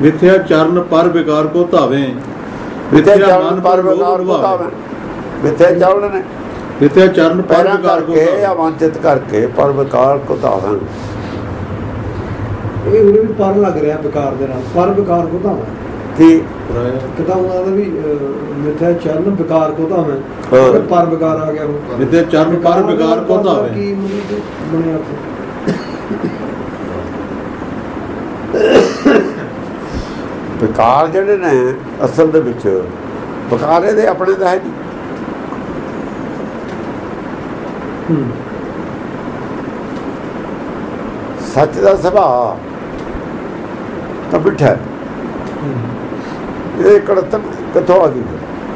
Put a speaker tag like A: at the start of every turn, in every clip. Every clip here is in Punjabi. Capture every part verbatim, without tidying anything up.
A: मिथ्या चरण पर विकार को धावे,
B: मिथ्या चरण पर विकार को धावे। मिथ्या चरण ने
A: मिथ्या चरण पर विकार को
B: करके या वांछित करके पर विकार को धावे।
C: ਇਹ ਉਹਦੇ ਵਿੱਚ ਪਰ ਲੱਗ ਰਿਹਾ ਵਿਕਾਰ ਦੇ ਨਾਲ, ਪਰ ਵਿਕਾਰ ਕੋ ਧਾਵਾਂ
B: ਕੀ
C: ਕਿਤਾ ਉਹਨਾਂ ਦਾ ਵੀ ਮਿੱਥਿਆ ਚਰਨ ਵਿਕਾਰ ਕੋ ਧਾਵਾਂ, ਪਰ ਵਿਕਾਰ ਆ ਗਿਆ। ਉਹ
A: मिथ्या चरण पर विकार को धावे
C: ਕੀ ਬਣਿਆ ਉੱਥੇ?
B: ਵਿਕਾਰ ਜਿਹੜੇ ਨੇ ਅਸਲ ਦੇ ਵਿੱਚ ਵਿਕਾਰ ਇਹਦੇ ਆਪਣੇ ਦਾ ਹੈ ਜੀ। ਸੱਚ ਦਾ ਸੁਭਾਅ ਤਾਂ ਮਿੱਠਾ ਹੈ, ਇਹ ਕੜਤਨ ਕਿੱਥੋਂ ਆ ਗਈ?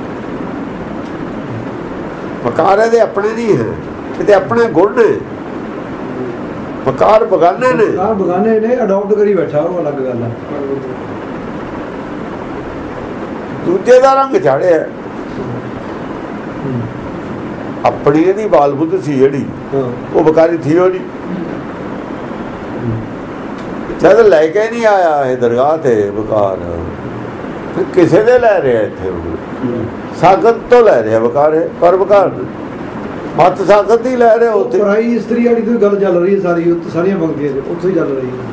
B: ਵਿਕਾਰ ਇਹਦੇ ਆਪਣੇ ਨਹੀਂ ਹੈ, ਇਹਦੇ ਆਪਣੇ ਗੁਣ ਨੇ। ਵਿਕਾਰ ਬਗਾਨੇ ਨੇ,
C: ਵਿਕਾਰ ਬਗਾਨੇ ਨੇ, ਅਡਾਪਟ ਕਰੀ ਬੈਠਾ, ਉਹ ਅਲੱਗ ਗੱਲ ਹੈ।
B: ਦੂਜੇ ਦਾ ਰੰਗ ਚਾੜਿਆ, ਆਪਣੀ ਇਹਦੀ ਬਾਲ ਬੁੱਧ ਸੀ ਜਿਹੜੀ, ਉਹ ਵਿਕਾਰੀ ਥੀ ਉਹ ਨਹੀਂ। ਜਦ ਲੈ ਕੇ ਨਹੀਂ ਆਇਆ ਇਹ ਦਰਗਾਹ ਤੇ ਵਿਕਾਰ, ਫਿਰ ਕਿਸੇ ਦੇ ਲੈ ਰਿਹਾ ਇੱਥੇ ਸਾਗਤ ਤੋਂ ਲੈ ਰਿਹਾ ਵਿਕਾਰ, ਪਰ ਵਿਕਾਰ ਮਤ ਸਾਗਤ ਹੀ ਲੈ ਰਿਹਾ ਉੱਥੇ।
C: ਪਰਾਈ ਇਸਤਰੀ ਵਾਲੀ ਤੋਂ ਗੱਲ ਚੱਲ ਰਹੀ ਹੈ ਸਾਰੀ, ਉੱਥੇ ਸਾਰੀਆਂ ਪੰਕਤੀਆਂ ਚ ਉੱਥੇ ਹੀ ਚੱਲ ਰਹੀ ਹੈ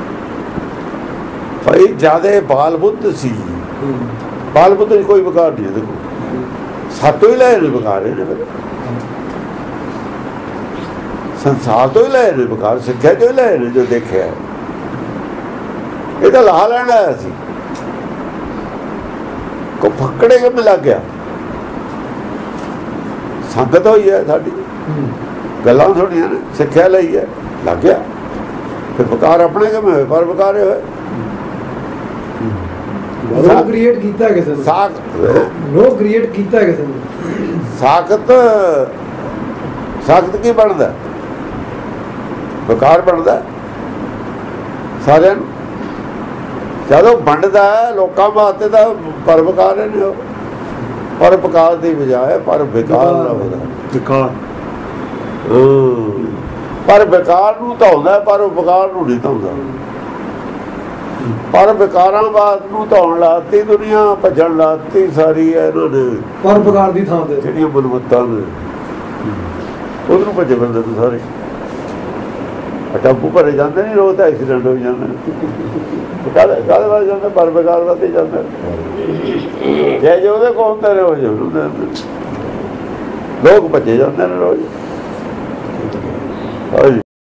B: ਭਾਈ। ਜਿਆਦੇ ਬਾਲ ਬੁੱਧ ਸੀ, ਬਾਲ ਬੁੱਧ ਚ ਕੋਈ ਵਿਕਾਰ ਨਹੀਂ। ਦੇਖੋ ਸਾਤੋਂ ਹੀ ਲੈ ਰਹੇ ਵਿਕਾਰ, ਇਹਨੇ ਸੰਸਾਰ ਤੋਂ ਹੀ ਲੈ ਰਹੇ ਵਿਕਾਰ, ਸਿੱਖਿਆ ਤੋਂ ਹੀ ਲੈ ਰਹੇ। ਜੋ ਦੇਖਿਆ ਇਹ ਤਾਂ ਲਾਹ ਲੈਣ ਆਇਆ ਸੀ, ਕੋ ਫੱਕੜੇ ਕਿਵੇਂ ਲੱਗ ਗਿਆ? ਸੰਗਤ ਹੋਈ ਹੈ ਸਾਡੀ, ਗੱਲਾਂ ਸੁਣੀਆਂ ਨੇ, ਸਿੱਖਿਆ ਲਈ ਹੈ, ਲੱਗ ਗਿਆ। ਫਿਰ ਵਿਕਾਰ ਆਪਣੇ ਕਿਵੇਂ ਹੋਏ? ਪਰ ਵਿਕਾਰ ਹੋਏ।
C: ਨੋ ਕ੍ਰੀਏਟ ਕੀਤਾ ਕਿਸੇ ਨੇ,
B: ਸਾਖ
C: ਨੋ ਕ੍ਰੀਏਟ ਕੀਤਾ ਕਿਸੇ ਨੇ।
B: ਸਾਖਤ ਸਾਖਤ ਕੀ ਬਣਦਾ? ਵਿਕਾਰ ਬਣਦਾ ਸਾਰਿਆਂ ਨੂੰ। ਜਦੋਂ ਵੰਡਦਾ ਲੋਕਾਂ ਵਾਸਤੇ ਤਾਂ ਪਰ ਵਿਕਾਰ ਨੇ, ਉਹ ਪਰ ਵਿਕਾਰ ਦੀ ਬਜਾਏ ਪਰ ਵਿਕਾਰ ਨਾ ਹੁੰਦਾ
A: विकार।
B: ਪਰ ਵਿਕਾਰ ਨੂੰ ਧਾਉਂਦਾ, ਪਰ ਵਿਕਾਰ ਨੂੰ ਨਹੀਂ ਧਾਉਂਦਾ। ਪਰ ਵਿਕਾਰਾਂ ਬਾਤ ਨੂੰ ਧਾਉਣ ਲਾਤੀ ਦੁਨੀਆ, ਭੱਜਣ ਲਾਤੀ ਸਾਰੀ ਇਹਨਾਂ ਨੇ
C: ਪਰ ਵਿਕਾਰ ਦੀ ਥਾਂ ਤੇ
B: ਜਿਹੜੀਆਂ ਬਲਵੱਤਾਂ ਨੇ ਉਧਰੋਂ ਭੱਜੇ ਬੰਦੇ ਤੋਂ ਸਾਰੇ। ਟੱਪੂ ਭਰੇ ਜਾਂਦੇ ਨਹੀਂ, ਰੋਜ਼ ਤਾਂ ਐਕਸੀਡੈਂਟ ਹੋ ਜਾਂਦੇ। ਕਾਹਦੇ ਕਾਹਦੇ ਵੱਲ ਜਾਂਦੇ? ਪਰ ਵਿਕਾਰ ਵੱਲ ਹੀ ਜਾਂਦੇ। ਜੇ ਜੇ ਉਹਦੇ ਕੋਲ ਹੁੰਦੇ ਨੇ ਉਹ ਜਾਂਦੇ, ਲੋਕ ਭੱਜੇ ਜਾਂਦੇ ਨੇ ਰੋਜ਼। ਹਾਂਜੀ।